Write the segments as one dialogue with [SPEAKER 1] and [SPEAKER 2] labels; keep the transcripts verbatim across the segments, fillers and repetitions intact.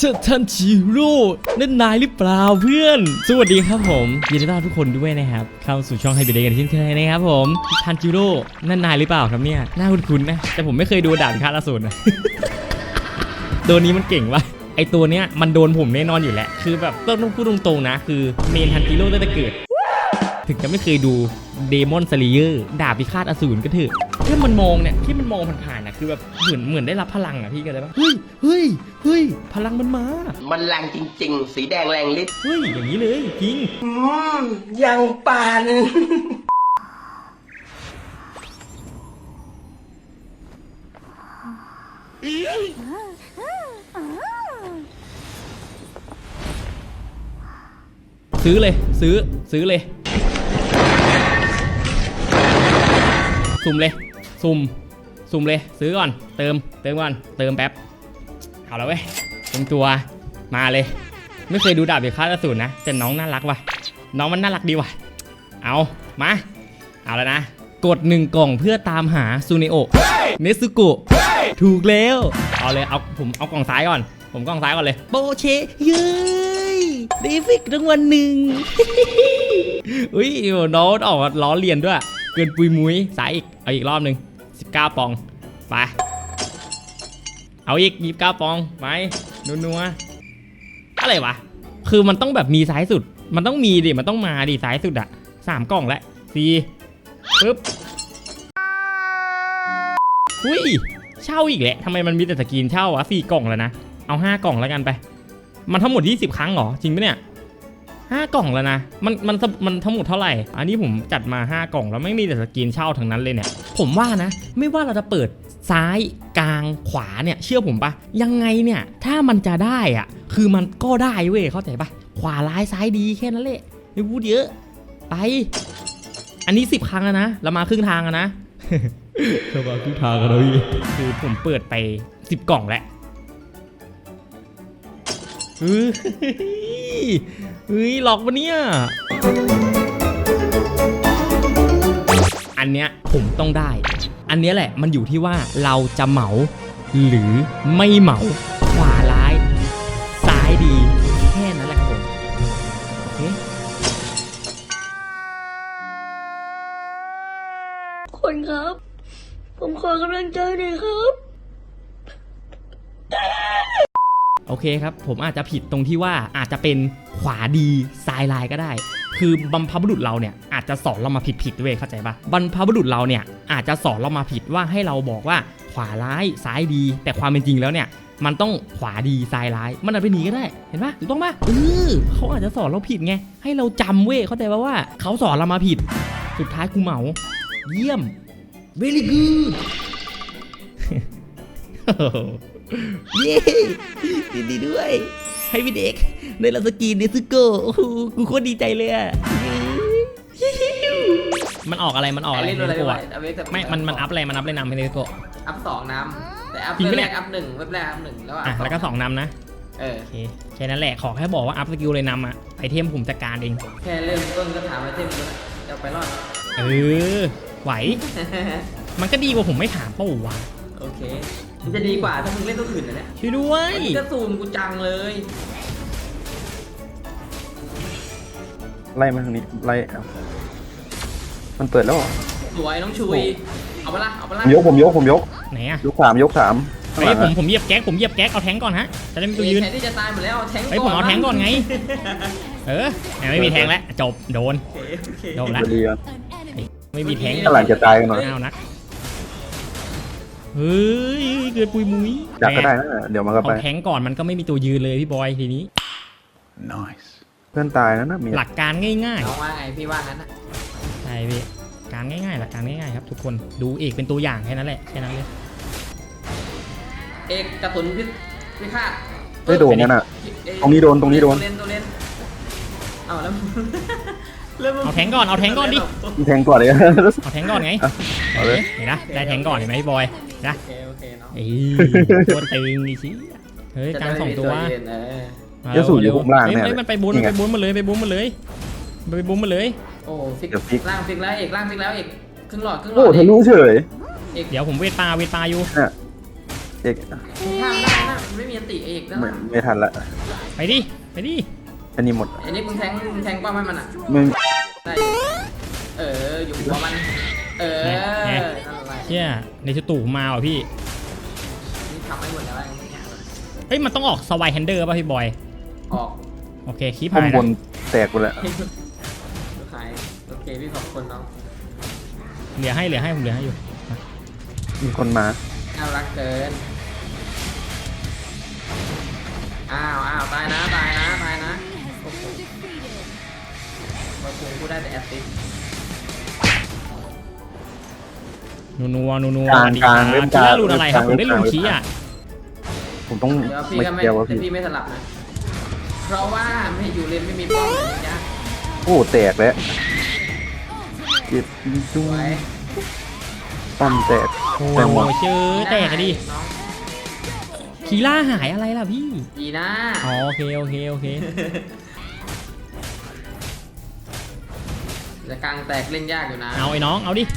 [SPEAKER 1] ท่านจิโร่นั่นนายหรือเปล่าเพื่อนสวัสดีครับผมยินดีต้อนรับทุกคนด้วยนะครับเข้าสู่ช่องให้เบเดกันเช่นเคยนะครับผมท่านจิโร่นั่นนายหรือเปล่าครับเนี่ยน่าคุ้นๆนะแต่ผมไม่เคยดูด่านฆ่าอสูรนะตัวนี้มันเก่งวะไอตัวเนี้ยมันโดนผมแน่นอนอยู่แล้วคือแบบต้องพูดตรงๆนะคือเมนทันจิโร่ตั้งแต่เกิดถึงจะไม่เคยดูเดมอนสเลเยอร์ดาบพิฆาตอสูรก็เถอะแค่มันมองเนี่ยที่มันมองผ่านๆนะคือแบบเหมือนเหมือนได้รับพลังอ่ะพี่กันเลยปะเฮ้ยเฮ้ยเฮ้ยพลังมันมา
[SPEAKER 2] มันแรงจริงๆสีแดงแรงฤทธิ์
[SPEAKER 1] เฮ้ยอย่างนี้เลยจริง
[SPEAKER 2] อืมยังปาน
[SPEAKER 1] ซื้อเลยซื้อซื้อเลยสุ่มเลยสุ่มสุ่มเลยซื้อก่อนเติมเติมก่อนเติมแป๊บเอาแล้วเว้ยเต็มตัวมาเลยไม่เคยดูดาบพิฆาตอสูรนะแต่น้องน่ารักว่ะน้องมันน่ารักดีว่ะเอามาเอาแล้วนะกดหนึ่งกล่องเพื่อตามหาซูเนโอะเนซึโกะถูกแล้วเอาเลยเอาผมเอากล่องซ้ายก่อนผมกล่องซ้ายก่อนเลยโบเชเย้ยเดฟิกรางวัลหนึ่งอุ้ยน้องออกล้อเลียนด้วยเกินปุยมุ้ยสายอีกเอาอีกรอบหนึ่งสิบเก้าปองไปเอาอีกยี่สิบเก้าปองไปนัวๆอะไรวะคือมันต้องแบบมีซ้ายสุดมันต้องมีดิมันต้องมาดิซ้ายสุดอะสามกล่องแล้วสี่ปึ๊บอุ้ยเช่าอีกแหละทำไมมันมีแต่สกรีนเช่าอะสี่กล่องแล้วนะเอาห้ากล่องแล้วกันไปมันทั้งหมดยี่สิบครั้งเหรอจริงปะเนี่ยห้ากล่องแล้วนะมันมันมันทั้งหมดเท่าไหร่อันนี้ผมจัดมาห้ากล่องแล้วไม่มีแต่สกรีนเช่าทั้งนั้นเลยเนี่ยผมว่านะไม่ว่าเราจะเปิดซ้ายกลางขวาเนี่ยเชื่อผมปะยังไงเนี่ยถ้ามันจะได้อะคือมันก็ได้เว้ยเข้าใจปะขวาร้ายซ้ายดีแค่นั้นแหละไม่พูดเยอะไปอันนี้สิบครั้งแล้วนะเรามาครึ่งทางแล้วนะเรามาครึ่งทางแล้วพี่คือผมเปิดไปสิบกล่องแล้วเฮ้ยเฮ้ยหลอกปะเนี่ยอันเนี้ยผมต้องได้อันเนี้ยแหละมันอยู่ที่ว่าเราจะเหมาหรือไม่เหมาขวาร้ายซ้ายดีแค่นั้นแหละครับผมโอเค
[SPEAKER 3] คนครับผมขอกำลังใจหน่อยครับ
[SPEAKER 1] โอเคครับผมอาจจะผิดตรงที่ว่าอาจจะเป็นขวาดีซ้ายลายก็ได้คือบรรพบุรุษเราเนี่ยอาจจะสอนเรามาผิดผิดด้วยเข้าใจปะบรรพบุรุษเราเนี่ยอาจจะสอนเรามาผิดว่าให้เราบอกว่าขวาร้ายซ้ายดีแต่ความเป็นจริงแล้วเนี่ยมันต้องขวาดีซ้ายร้ายมันอาจเป็นนี้ก็ได้เห็นปะถูกต้องปะเออเขาอาจจะสอนเราผิดไงให้เราจำเว้ยเข้าใจปะว่าเขาสอนเรามาผิดสุดท้ายกูเหมาเยี่ยม very good เย้ดีดีด้วยให้พี่เด็กในลาสกีเนซึโกะกูโคตรดีใจเลยอ่ะมันออกอะไรมันออกอะไรเนซึโกะไม่มันมันอัพอะไรมันอัพเลยนำให้เนซึโกะ
[SPEAKER 4] อัพสองน้ำแต่อัพเว็บแรกอัพหนึ่งเว็บแรกอัพหนึ่งแล้วอ่ะ
[SPEAKER 1] แล้วก็สองนำนะ
[SPEAKER 4] เออ
[SPEAKER 1] โอเคแค่นั้นแหละขอแค่บอกว่าอัพสกิลเลยนำอ่ะไอเทมผมจัดการเอง
[SPEAKER 4] แค่เริ่มต้นก็ถามไอเทมจะไปรอด
[SPEAKER 1] เออไหวมันก็ดีกว่าผมไม่ถามป่าววะ
[SPEAKER 4] โอเคมันจะดีกว่าถ้ามึงเล่นตัวอื่นนะเนี่ย
[SPEAKER 1] ช่วยด้วย
[SPEAKER 4] มันจะซูมกูจังเลย
[SPEAKER 5] ไล่มาทางนี้ไล่มันเปิดแล้ว
[SPEAKER 4] สวยน้องชุยเอาไปละเอาไปละ
[SPEAKER 5] ผมยกผมยกผมยก
[SPEAKER 1] ไหนอะ
[SPEAKER 5] ยกสามยกสาม
[SPEAKER 1] เฮ้ยผมผมเหยียบแก๊กผมเหยียบแก๊กเอาแทงก่อนฮะจะได้มีตัวยืน
[SPEAKER 4] แทนที่จะตายหมดแล้วแทงก่อน
[SPEAKER 1] เฮ้ยผมเอาแทงก่อนไงเออไม่มีแทงแล้วจบโดนโดนแล้วไม่มีแทง
[SPEAKER 5] หลังจะตายกันหน่อย
[SPEAKER 1] เอานะเฮ้ยเกิดปุยมุ้ย
[SPEAKER 5] จับก็ได้นะเดี๋ยวมันก็ไป
[SPEAKER 1] เอาแทงก่อนมันก็ไม่มีตัวยืนเลยพี่บอยทีนี้
[SPEAKER 5] nice เพื่อนตายนะนะมี
[SPEAKER 1] หลักการง่าย
[SPEAKER 4] ๆน้องว่าไงพี่ว่างั้นนะ
[SPEAKER 1] ใช่พี่การง่ายๆหลักการง่ายๆครับทุกคนดูเอกเป็นตัวอย่างแค่นั้นแหละแค่นั้นเลย
[SPEAKER 4] เอกกระสุนพิพิฆาต
[SPEAKER 5] ไม่โดนนั่นน่ะตรงนี้โดนตรงนี้โดน
[SPEAKER 4] เล่นตัวเล่นเอาแล้ว
[SPEAKER 1] เอาแทงก่อนเอาแทงก่อนดิ
[SPEAKER 5] แทงก่อนเลย
[SPEAKER 1] เอาแทงก่อนไงเอาเลยเห็นนะได้แทงก่อนเห็นไหมพี่บอยนะ
[SPEAKER 4] โอเคเนาะ
[SPEAKER 1] ไอ้ตัวตึงดิชิเฮ้ยกลางสองตัว
[SPEAKER 5] เดี๋ยวสูอยู่ข้างล่างเนี่ย
[SPEAKER 1] มันไปบุ้นไปบุ้นมาเลยไปบุ้นมาเลยไปบุ้นมาเลย
[SPEAKER 4] โอ้ฟิกล่างฟิกแล้วเอกล่างฟิกแล้วเอกครึ่งหลอดครึ่งหลอด
[SPEAKER 5] โอ้ทะลุเฉย
[SPEAKER 1] เดี๋ยวผมเวทปลาเวทปลาอยู่
[SPEAKER 5] เอก
[SPEAKER 4] ข้ามได้นะมันไม่มีอันติเอกแล้ว
[SPEAKER 5] ไม่ไม่ทันละ
[SPEAKER 1] ไปดิไปดิ
[SPEAKER 5] อันนี้หมด
[SPEAKER 4] ไอ้นี่มึงแทงมึงแทงป้อมให้มันอ่ะ
[SPEAKER 5] ไม่
[SPEAKER 4] ได้อยู่เอออยู่หัวมันเออนั่นอะไร
[SPEAKER 1] เชี่ยในชุดตู่มาว่ะพี่
[SPEAKER 4] นี่ทำให้หมดแล้วไอ้เนี่ย
[SPEAKER 1] เฮ้ยมันต้องออกสวายแฮนเดอร์ป่ะพี่บอย
[SPEAKER 4] ออก
[SPEAKER 1] โอเคคลิป
[SPEAKER 5] ข้าง
[SPEAKER 1] หาย
[SPEAKER 5] บ
[SPEAKER 1] นะ
[SPEAKER 5] นแตกไปแล้ว
[SPEAKER 4] ขายโอเคพี่ขอบคุณน้อง
[SPEAKER 1] เหลือให้เหลือให้ผมเหลือให้อยู่
[SPEAKER 5] มีคนมา
[SPEAKER 4] น่ารักเกินอ้าวอ้าวตายนะตายนะตายนะโอ้โหมาคุงกูได้แต่แอสซิสต์
[SPEAKER 1] นัวนัวนัวนัว
[SPEAKER 5] กลาง
[SPEAKER 1] ดี
[SPEAKER 5] กลางเล่นก
[SPEAKER 1] คี
[SPEAKER 5] ลาง
[SPEAKER 1] ล่ารูนอะไรครับผมได้รูน
[SPEAKER 5] เล่นกลาง
[SPEAKER 1] คีอ่ะ
[SPEAKER 5] ผมต้อง
[SPEAKER 4] เดี๋ยวพี่
[SPEAKER 5] ไม่
[SPEAKER 4] ก็ไม่
[SPEAKER 5] เกี่ยวว่า
[SPEAKER 4] แต่
[SPEAKER 5] พี่
[SPEAKER 4] พี่ไม่สลับนะเพราะว่าไม่อยู่เลนไม่มีป้อมเลยนะจ๊ะ
[SPEAKER 5] โอ้แตกแล้วเจ็บจุ้ง
[SPEAKER 4] ไว้
[SPEAKER 5] ป้อมแตก
[SPEAKER 1] โอ้
[SPEAKER 5] แตกหมด
[SPEAKER 1] เจอแตกอะดิ
[SPEAKER 4] น้อง
[SPEAKER 1] คีล่าหายอะไรล่ะพี่
[SPEAKER 4] ดีนะ
[SPEAKER 1] อ๋อโอเคโอเคโอเค
[SPEAKER 4] จะกลางแตกเล่นยากอยู่นะ
[SPEAKER 1] เอาไอ้น้องเอาดิ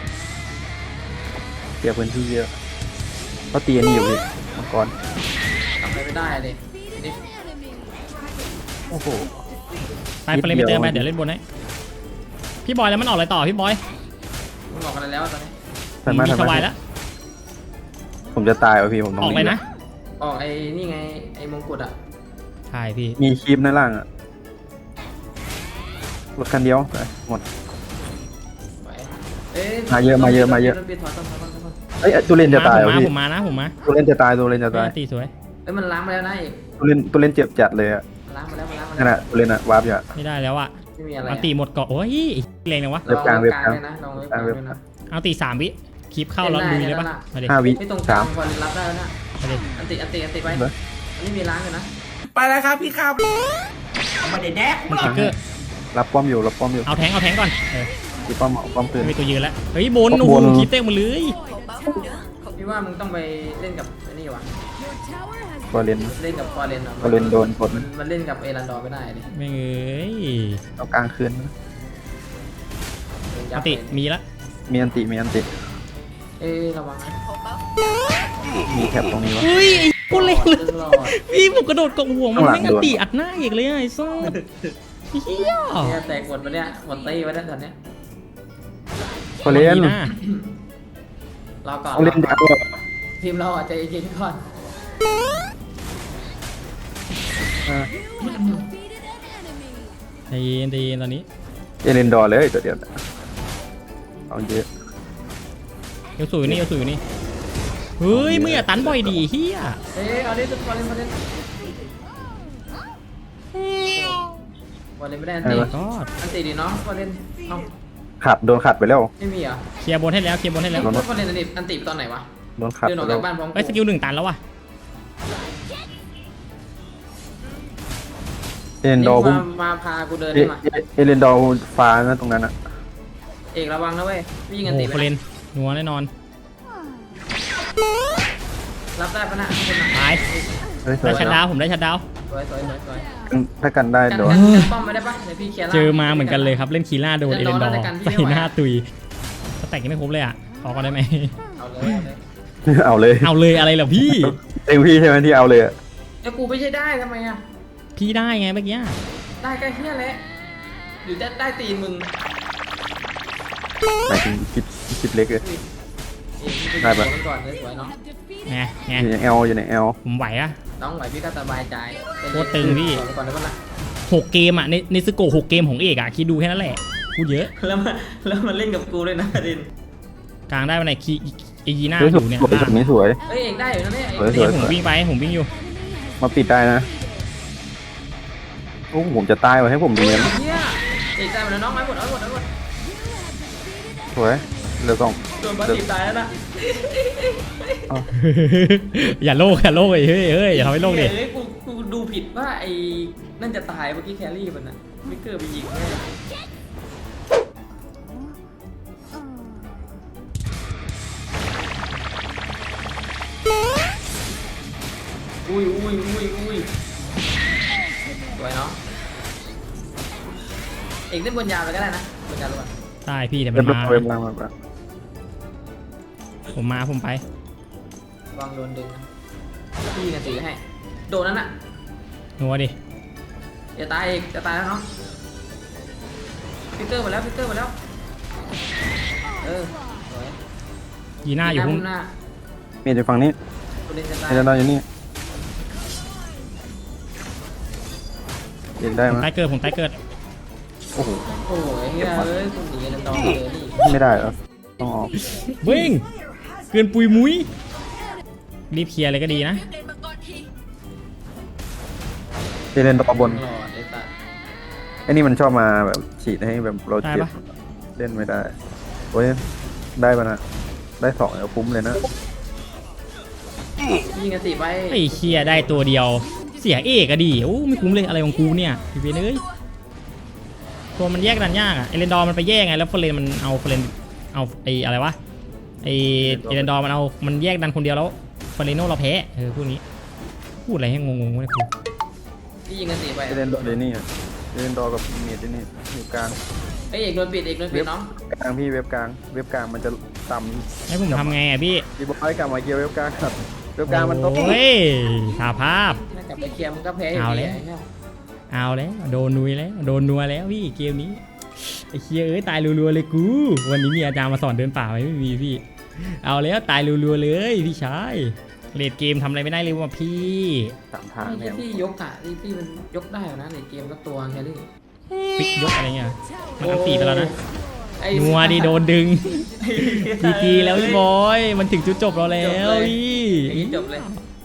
[SPEAKER 5] เสียพื้นที่เยอะก็ตีอันนี้อยู่พี่มังกร
[SPEAKER 4] ทำอะไรไม่ได้เลยนี่
[SPEAKER 5] โอ้โห
[SPEAKER 1] ไปไปเลยไปเติมไปเดี๋ยวเล่นบนให้พี่บอยแล้วมันออกอะไรต่อพี่บอย
[SPEAKER 4] มึงบอกอะไรแล้วตอนนี้
[SPEAKER 5] สามารถ
[SPEAKER 1] มี
[SPEAKER 5] ทำ
[SPEAKER 1] สวาย
[SPEAKER 5] ได้
[SPEAKER 1] แล้ว
[SPEAKER 5] ผมจะตายวะพี่ผมต้อง
[SPEAKER 1] ออกเลยนะ
[SPEAKER 4] ออกไอ้นี่ไงไอ้มงกุฎอ่ะ
[SPEAKER 1] ใช่พี่
[SPEAKER 5] มีคลิปหน้าล่างอะรถคันเดียวไปหมด
[SPEAKER 4] ไว้เอ้ย
[SPEAKER 5] มาเยอะมาเยอะมาเยอะ
[SPEAKER 4] ถอยถอยถอยถอยถอยถอย
[SPEAKER 5] เอ้ยตัวเล่นจะตาย
[SPEAKER 1] ผม
[SPEAKER 5] วะ
[SPEAKER 1] มา
[SPEAKER 5] พี่
[SPEAKER 1] ผมมานะผมมา
[SPEAKER 5] ตัวเล่นจะตายตัวเล่นจะตาย
[SPEAKER 1] ตีสวย
[SPEAKER 4] เอ้ยมันล้างไปแล้วนะเอก
[SPEAKER 5] ตัวเล่นตัวเล่นเจ็บจัดเลยอะ
[SPEAKER 4] มันล้างไปแล้วมันล้างไป
[SPEAKER 5] นั่น
[SPEAKER 4] แล้ว
[SPEAKER 5] แหะตัวเล่นอะวาร์ปอยู่อะ
[SPEAKER 1] ไม่ได้แล้วอะ
[SPEAKER 4] ไม่มีอะไร
[SPEAKER 1] เอาตีหมดเกาะโอ้ยแรงนะวะ
[SPEAKER 5] เว็บกลางเว็บกลาง
[SPEAKER 4] ด้วยนะลองเว็บกลางด้วยนะ
[SPEAKER 1] เอาตีสามวิคลิปเข้าแล้วลุยเลยปะมาดิ
[SPEAKER 5] ห้าวิ
[SPEAKER 4] ไม่ตรงก
[SPEAKER 5] สา
[SPEAKER 4] ลาง
[SPEAKER 5] ม
[SPEAKER 4] พอเล่นรับได้แล้วนะ
[SPEAKER 1] มาดิ
[SPEAKER 4] อันติอันติอันติไป
[SPEAKER 5] เบอร์
[SPEAKER 4] อันนี้มีล้างอยู่นะ
[SPEAKER 2] ไปแล้วครับพี่ครับไม่ได้แดก
[SPEAKER 1] มันคิกเกอร์
[SPEAKER 5] รับป้อมอยู่รับป้อมอยู่
[SPEAKER 1] เอาแทงเอาแทงก่อนเออ
[SPEAKER 5] ตีป้อมเอาป้อมคืน
[SPEAKER 1] ไม่มีตัวยืนแล้วเฮ้ยบน
[SPEAKER 5] บน
[SPEAKER 1] โอ้โหคลิปเต้งหมาเลย
[SPEAKER 4] พี่ว่ามึงต้องไปเล่นกับไอ้นี่วะ
[SPEAKER 5] ตัวเล่น
[SPEAKER 4] เล่นกับฟอร์เรนอะ
[SPEAKER 5] ฟอร์เรนโดนกด
[SPEAKER 4] มันมันเล่นกับเอรันดอร์ไม่ได้ดิ
[SPEAKER 1] ไม่เอ้ย
[SPEAKER 5] เอากลางคืนนะ
[SPEAKER 1] เอาติมีละ
[SPEAKER 5] มีอันติมีอันติ
[SPEAKER 4] เอ้ยระวังนะ
[SPEAKER 5] มีแคปตรงนี้วะ
[SPEAKER 1] เฮ้ยไอ้โคตรเล็กเลย
[SPEAKER 4] หลอด
[SPEAKER 1] พี่ผมกระโดดเกาะหัวมัน
[SPEAKER 5] ข้างหลัง
[SPEAKER 1] ไม่งันตีอัดหน้าอีกเลยอะไอ้ซ่าเฮีย
[SPEAKER 4] เนี่ยแตกหมดไปเนี่ยหมดตีไปแล้วตอนเนี้ย
[SPEAKER 5] ฟอร์เรน
[SPEAKER 1] ดีนะ
[SPEAKER 4] รอก่อน
[SPEAKER 5] เอาเล่น
[SPEAKER 4] รอ
[SPEAKER 5] ดัก
[SPEAKER 4] ก่อน
[SPEAKER 5] เลย
[SPEAKER 4] ทีมเราอาจจะเย็นก่อน
[SPEAKER 5] อ่า
[SPEAKER 1] ใจเย็นใจเย็นตอนนี้
[SPEAKER 5] เอเลนดอร์เลยตัวเดียวเอาเยอะ
[SPEAKER 1] เอลสูอยู่นี่เอลสูอยู่นี่เฮ้ยมึงอย่าตันบ่อยดีเฮีย
[SPEAKER 4] เอ้ยเอาดิทุกคนเล่นมาเล่นบอลเล่นไม่ได้อันตี
[SPEAKER 1] ก็
[SPEAKER 4] อันตีดิเนาะบอลเล่นเอ้า
[SPEAKER 5] ขัดโดนขัดไปแล้ว
[SPEAKER 4] ไม่มีเหรอ
[SPEAKER 1] เคลียร์บนให้แล้วเคลียร์บนให้แล้ว
[SPEAKER 5] โดน
[SPEAKER 4] บอลเล่นอันตีอันตีตอนไหนวะ
[SPEAKER 5] โดนขัด
[SPEAKER 4] เดินอ
[SPEAKER 5] ไป
[SPEAKER 4] อก
[SPEAKER 5] แล้
[SPEAKER 4] จาว กบ้านพร้อม
[SPEAKER 1] ไอ้ยสกิลหนึ่งตันแล้วว่ะ
[SPEAKER 5] เอเลนดอร์
[SPEAKER 4] นี่
[SPEAKER 5] พุ่
[SPEAKER 4] มาง มาพากูเดิน
[SPEAKER 5] เอ
[SPEAKER 4] ได้มา
[SPEAKER 5] เอเอเลนดอร์ฟ้านะตรงนั้นอะ
[SPEAKER 4] เอกระวังนะเว้ยพี่ยิง
[SPEAKER 1] โอ้
[SPEAKER 4] อัน
[SPEAKER 1] โห
[SPEAKER 4] ตี
[SPEAKER 1] โค
[SPEAKER 4] ไป
[SPEAKER 1] เล
[SPEAKER 4] นะ
[SPEAKER 1] นนัวแน่นอน
[SPEAKER 4] รับได้ปะน่ะคุณน่ะ
[SPEAKER 1] ตาย
[SPEAKER 5] เฮ้ยสว
[SPEAKER 1] ได้
[SPEAKER 5] ย
[SPEAKER 1] ชัดดาวน์ผมได้ชัดดาวน์
[SPEAKER 4] สวยสวยสวยสวย
[SPEAKER 5] ถ้ากันได้
[SPEAKER 4] กัน
[SPEAKER 5] โด
[SPEAKER 4] กัน
[SPEAKER 5] น
[SPEAKER 4] กันป้อมไม่ได้ปะเดี๋ยวพี่เคลียร์ล่าง
[SPEAKER 1] เจอมาเหมือนกันเลยครับเล่นคีล่าโดนเอ
[SPEAKER 4] เล่
[SPEAKER 1] เล
[SPEAKER 4] น
[SPEAKER 1] น
[SPEAKER 4] ด
[SPEAKER 1] ด
[SPEAKER 4] อ
[SPEAKER 1] อ
[SPEAKER 4] ร์
[SPEAKER 1] ร์
[SPEAKER 4] แล้วกันพี่
[SPEAKER 1] ใส่
[SPEAKER 4] ไม่ไหว
[SPEAKER 1] หน้าตุยสแต็กยังไม่ครบเลยอ่ะขอก็ได้ไหม
[SPEAKER 4] เอาเลยเอาเลย
[SPEAKER 5] เอาเลย
[SPEAKER 1] เอาเลยอะไรเหรอพี่
[SPEAKER 5] เต็มพี่ใช่ไหมที่เอาเลยอะ
[SPEAKER 4] แล้วกูไม่ใช่ได้ทำไมอ่ะ
[SPEAKER 1] พี่ได้ไงเมื่อกี้
[SPEAKER 4] ได้แค่เฮียแหละหรือจะได้ตีนมึง
[SPEAKER 5] หมายถึงคลิปคลิปเล็กเลย
[SPEAKER 4] อุ้ยเอกพี่
[SPEAKER 5] ได้
[SPEAKER 4] ไป
[SPEAKER 5] ปะ
[SPEAKER 4] ดูก่อนเลยสวยเนาะ
[SPEAKER 1] ไงไง
[SPEAKER 5] อยู่ในแอลอยู่ในแอล
[SPEAKER 1] ผมไหวอะ
[SPEAKER 4] น้องไหวพี่ก็สบายใจ
[SPEAKER 1] โคตรตึงพี่
[SPEAKER 4] สอนไปก่อนได้ปะล่ะ
[SPEAKER 1] หกเกมอะในในสโกหกเกมของเอกอะคิดดูแค่นั้นแหละพูดเยอะ
[SPEAKER 4] แล้วมาแล้วมันเล่นกับกูด้วยนะดิน
[SPEAKER 1] กลางได้วันไหนคีอียีน่า
[SPEAKER 5] สวย
[SPEAKER 1] อ
[SPEAKER 5] สวย
[SPEAKER 1] ยู่เนี่ย
[SPEAKER 5] สวยตรงนี้สวย
[SPEAKER 4] เอ้ยเอกได้อยู่นะเนี่ย
[SPEAKER 5] สวย
[SPEAKER 1] เดี๋ยวผมวิ่งไปผมวิ่งอยู่
[SPEAKER 5] มาปิดได้นะโอ้ผมจะตายว่ะให้ผม
[SPEAKER 4] เฮ้
[SPEAKER 5] เรี
[SPEAKER 4] ย
[SPEAKER 5] ยน
[SPEAKER 4] เฮียเอกได้หมดแล้วน้องไอ้หมดเอาหมดเอาหมด
[SPEAKER 5] สวยเหลือสอง
[SPEAKER 4] โดนบอลตีตายแล้วนะ
[SPEAKER 1] อย่าโลกอย่าโลกเฮ้ยเฮ้ยอย่าทำให้โลกดิ
[SPEAKER 4] เฮ้ยกูกูดูผิดว่าไอ้นั่นจะตายเมื่อกี้แครี่มันนะมิกเกอร์ไปยิงแม่อุ้ยอุ้ยอุ้ยอุ้ยสวยเนาะเอกเล่นบนยาวไปก็ได้นะบนยาวรู้ป่ะ
[SPEAKER 1] ใช่พี่แต่มั
[SPEAKER 5] เรีย
[SPEAKER 1] น
[SPEAKER 5] บร้
[SPEAKER 1] มา
[SPEAKER 5] อยเรียบร้อยมา
[SPEAKER 1] ผมมาผมไป
[SPEAKER 4] วางโดนดึงนะพี่ยิงกันสีให้โดนนั้นอ่ะ
[SPEAKER 1] หนัวดิ
[SPEAKER 4] จะตายอีกจะตายแล้วเนาะฟิกเกอร์มาแล้วฟิกเกอร์มาแล้วเออสวย
[SPEAKER 1] ยีหน้าอยู่
[SPEAKER 4] พุ่
[SPEAKER 1] พุ่ง
[SPEAKER 4] หน้า
[SPEAKER 5] เมียอยู่ฝั่งนี้
[SPEAKER 4] ตัวเล่นจะตาย
[SPEAKER 5] เมียจะนอนอยู่นี่เด็กได้
[SPEAKER 1] ผม
[SPEAKER 5] ไหม
[SPEAKER 1] ใต้เกิดผมใต้เกิด
[SPEAKER 5] โอ้โห
[SPEAKER 4] โอ้ยเฮ้ยเอ้ยคุณหนีกันดองเลยนี่
[SPEAKER 5] ไม่ได้เหรอต้องออก
[SPEAKER 1] วิ่งเกินปุยมุ้ยรีบเคลียร์เลยก็ดีนะ
[SPEAKER 5] เจเลนต่อบน
[SPEAKER 4] หลอดไอ้สัตว์
[SPEAKER 5] ไอ้นี่มันชอบมาแบบฉีดให้แบบเรา
[SPEAKER 1] ได้
[SPEAKER 5] เจ็บ
[SPEAKER 1] ปะ
[SPEAKER 5] เล่นไม่ได้โอ้ยได้ปะนะได้สองแล้วคุ้มเลยนะ
[SPEAKER 4] ยิงกันสีไป
[SPEAKER 1] ไอ้เคลียร์ได้ตัวเดียวเสียเอกอะดีโอ้ไม่คุ้มเลยอะไรของกูเนี่ยพี่เวนเอ้ยตัวมันแยกดันยากอะเอเลนดอร์มันไปแยกไงแล้วเฟรนมันเอาเฟรนเอาไอ้อะไรวะไอ้เอเลนดอร์มันเอามันแยกดันคนเดียวแล้วเฟรนโน่เราแพ้เออพูดนี้พูดอะไรให้งงๆวะเนี่ยกู
[SPEAKER 4] พี่ยิงกันสีไป
[SPEAKER 5] เจเลนดอร์เดนี่อะเจเลนดอร์กับเมียที่นี่อยู่กลาง
[SPEAKER 4] ไอ้เอกโดนปิดเอกโดนปิดน้อง
[SPEAKER 5] กลางพี่เว็บกลางเว็บกลางมันจะต่ำ
[SPEAKER 1] ให้ผมทำไงอะพี่
[SPEAKER 5] พี่บอกให้กลับมาเกียร์เว็บกลางครับเว็บกลางมันต้อง
[SPEAKER 1] โอ้ยสาภาพ
[SPEAKER 4] ถ้ากลับไปเคลียร์มันก็แพ้อยู่
[SPEAKER 1] เอา
[SPEAKER 4] ดี
[SPEAKER 1] แล้ว
[SPEAKER 4] ไอ้เหี้ย
[SPEAKER 1] เอาแล้วโดนนุยแล้วโดนนัวแล้วพี่เกมนี้ไอ้เคียเอ้ยตายรัวๆเลยกูวันนี้มีอาจารย์มาสอนเดินป่าไหมไม่มีพี่ เอาแล้วตายรัวๆเลยพี่ชายเลดเกมทำอะไรไม่ได้เลยว่ะพี่
[SPEAKER 5] สามทาง
[SPEAKER 4] ไม่
[SPEAKER 5] แน
[SPEAKER 4] ใช่
[SPEAKER 5] ว
[SPEAKER 4] พี่ยกอะที่พี่มันยกได้อยู่นะในเกมก็ตัวแค่นี้
[SPEAKER 1] ฟิกยกอะไรเงี้ยมันอันตีไปแล้วนะ
[SPEAKER 4] ไอ้
[SPEAKER 1] นัวดิโดนดึงทีทีแล้วพี่บอยมันถึงจุดจบเราแล้วพี่
[SPEAKER 4] อย่างนี้จบเลย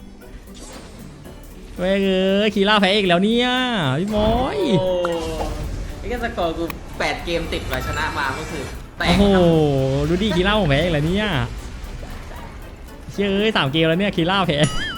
[SPEAKER 1] เว้ยเอ้ยคีร่าแพ้อีกแล้วเนี่ยพี่บอย
[SPEAKER 4] โอ้ไอ้แค่สกอร์กูแปดเกมติดมาชนะมาก็คือแต
[SPEAKER 1] โอ้
[SPEAKER 4] ก
[SPEAKER 1] โห
[SPEAKER 4] ครับ
[SPEAKER 1] ดูดิคีร่าผมแพ้อีกแล้วเนี่ยเชื่อเอ้ยสามเกมแล้วเนี่ยคีร่าแพ้